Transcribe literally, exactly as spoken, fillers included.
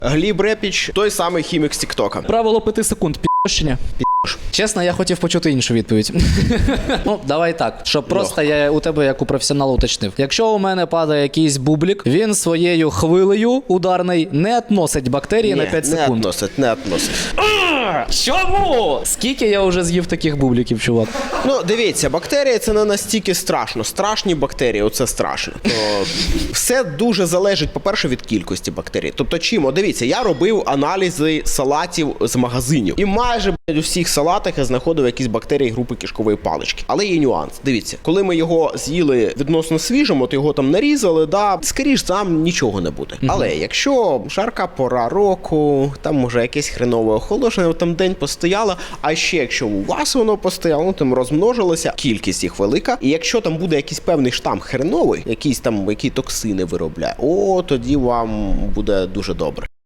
Гліб Репіч, той самий хімік з Тіктока. Правило п'яти секунд, пі***щення. Чесно, я хотів почути іншу відповідь. Ну, давай так, щоб просто я у тебе, як у професіонала, уточнив. Якщо у мене падає якийсь бублік, він своєю хвилею ударний не относить бактерії Ні, на п'ять не секунд. относить, не относить. Чому? Скільки я вже з'їв таких бубліків, чувак? Ну, дивіться, бактерії це не настільки страшно. Страшні бактерії, оце страшно. То все дуже залежить, по-перше, від кількості бактерій. Тобто, чим? О, дивіться, я робив аналізи салатів з магазинів. І майже, блядь, у всіх салатах я знаходив якісь бактерії групи кишкової палички. Але є нюанс. Дивіться, коли ми його з'їли відносно свіжим, от його там нарізали, да, скоріш там нічого не буде. Mm-hmm. Але якщо жарка пора року, там може якесь хренове охолодження, там день постояло, а ще якщо у вас воно постояло, ну, там розмножилося, кількість їх велика, і якщо там буде якийсь певний штам хреновий, якісь там, які токсини виробляє, о, тоді вам буде дуже добре.